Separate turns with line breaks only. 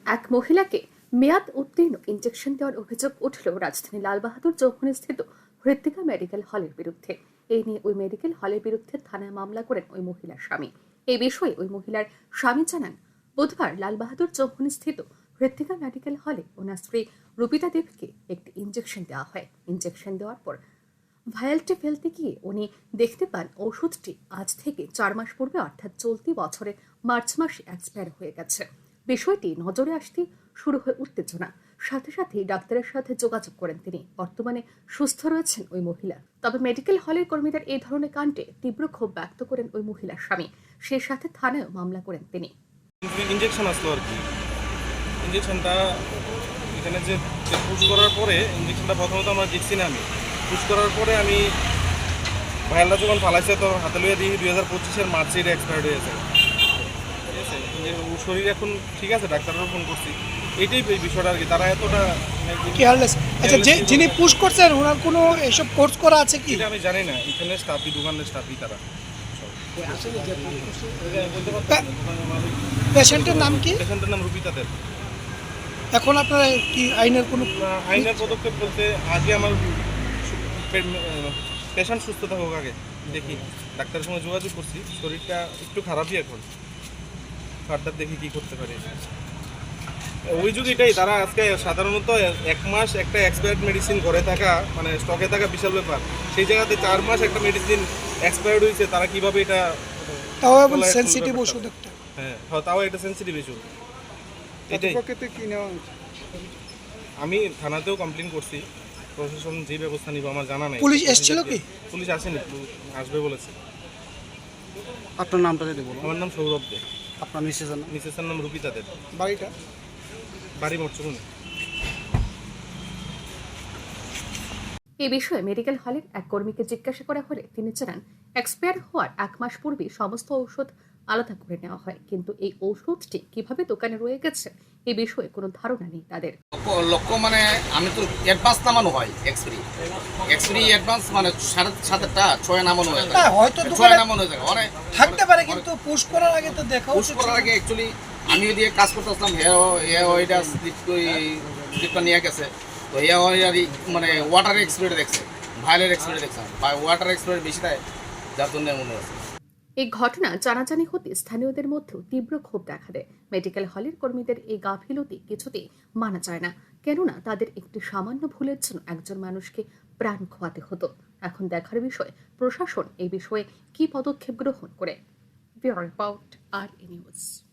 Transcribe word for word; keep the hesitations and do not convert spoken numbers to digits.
এক মহিলাকে মেয়াদ উত্তীর্ণ ইনজেকশন দেওয়ার অভিযোগ উঠল রাজধানী লালবাহাদুর চৌমুহনী স্থিত হৃত্বিকা মেডিকেল হলের বিরুদ্ধে। এই নিয়ে ওই মেডিকেল হলের বিরুদ্ধে থানায় মামলা করেন ওই মহিলার স্বামী। এই বিষয়ে ওই মহিলার স্বামী জানান, বুধবার লালবাহাদুর চৌমুহনী স্থিত হৃত্বিকা মেডিকেল হলে ওনার স্ত্রী রূপিতা দেবকে একটি ইনজেকশন দেওয়া হয়। ইনজেকশন দেওয়ার পর ভায়ালটি ফেলতে গিয়ে উনি দেখতে পান ওষুধটি আজ থেকে চার মাস পূর্বে অর্থাৎ চলতি বছরের মার্চ মাসে এক্সপায়ার হয়ে গেছে। বিষয়টি নজরে আসতে শুরু হয়ে উত্তেজনা। সাথে সাথেই ডাক্তারের সাথে যোগাযোগ করেন তিনি। বর্তমানে সুস্থ রয়েছেন ওই মহিলা। তবে মেডিকেল হলের কর্মীদের এই ধরনের কাণ্ডে তীব্র ক্ষোভ ব্যক্ত করেন ওই মহিলার স্বামী। সেই সাথে থানায় মামলা করেন তিনি।
ইনজেকশন আসলো আর কি, ইনজেকশনটা এখানে যে পুশ করার পরে ইনজেকশনটা প্রথমত আমরা দেখছি না, আমি পুশ করার পরে আমি ভাইয়ালটা যখন ফালাইছে তো হাতে লইয়া দিই দুই হাজার পঁচিশের মার্চে এটা এক্সপায়ার্ড হয়েছে। ঠিক আছে, ও শরীর এখন ঠিক আছে, ডাক্তারও ফোন করছি, এইটাই এই বিষয়টা আর কি। তারা এতটা
কেয়ারলেস। আচ্ছা, যে যিনি পুশ করছেন ওনার কোনো এসব কোর্স করা আছে কি
এটা আমি জানি না। এখানে স্টাফই, দোকানের স্টাফই তারা।
পেশেন্টের নাম কি?
পেশেন্টের নাম রূপিতা দেব।
এখন আপনারা কি আইনের কোনো
আইনের পদক্ষেপ বলতে আগে আমার পেশেন্ট সুস্থ থাকুক, আগে দেখি ডাক্তারের সঙ্গে যোগাযোগ করছি, শরীরটা একটু খারাপই এখন, ফার্দার দেখি কি করতে পারি। ওই যদি এটাই তারা আজকে সাধারণত এক মাস একটা এক্সপায়ার্ড মেডিসিন ঘরে থাকা মানে স্টকে থাকা বিশাল ব্যাপার, সেই জায়গাতে চার মাস একটা মেডিসিন এক্সপায়ার্ড হয়েছে, তারা কিভাবে এটা,
তাও এবং সেনসিটিভ ওষুধ একটা।
হ্যাঁ হ্যাঁ তাও এটা সেনসিটিভ ইস্যু। এটাই
কি নেওয়া
আমি থানাতেও কমপ্লেন করছি, প্রশাসন যে ব্যবস্থা নিব আমার জানা নাই।
পুলিশ এসেছিল কি?
পুলিশ আসেনি, আসবে বলেছে।
আপনার নামটা যদি বলুন।
আমার নাম সৌরভ দে।
আপনার মিসেসের নাম?
মিসেসের নাম রূপিতা দেব।
বাড়িটা?
বাড়ি মরচুকুনি।
এই বিষয়ে মেডিকেল হলের এক কর্মীকে জিজ্ঞাসা করা হলে তিনি জানান, এক্সপায়ার হওয়ার এক মাস পূর্বে সমস্ত ঔষধ আলাদা করে নেওয়া হয়, কিন্তু এই ঔষধটি কিভাবে দোকানে রয়ে গেছে এই বিষয়ে কোনো ধারণা নেই তাদের।
লক্ষ্য মানে আমি তো অ্যাডভান্স নামানো হয়, এক্সপিরি এক্সপিরি অ্যাডভান্স মানে সাড়ে সাতটা ছয় নামানো হয়ে যায়,
হয়তো
ছয় নামানো হয়ে যায় অনেক
থাকতে পারে, কিন্তু পুশ করার আগে তো দেখা
পুশ করার আগে অ্যাকচুয়ালি আমি দিয়ে কাজ করতে আসলাম, হে হে ওইটা স্লিপটা নিয়ে গেছে, তো হে ওই মানে ওয়াটার এক্সপিরি দেখছে, ভাইলের এক্সপিরি দেখছে, ওয়াটার এক্সপিরি বেশি দেয়, যার জন্য মনে হচ্ছে।
এই ঘটনা জানাজানি হতে স্থানীয়দের মধ্যেও তীব্র ক্ষোভ দেখা দেয়। মেডিকেল হলের কর্মীদের এই গাফিলতি কিছুতেই মানা যায় না, কেননা তাদের একটি সামান্য ভুলের জন্য একজন মানুষকে প্রাণ খোয়াতে হতো। এখন দেখার বিষয় প্রশাসন এই বিষয়ে কি পদক্ষেপ গ্রহণ করে। ব্যুরো রিপোর্ট, আর ই নিউজ।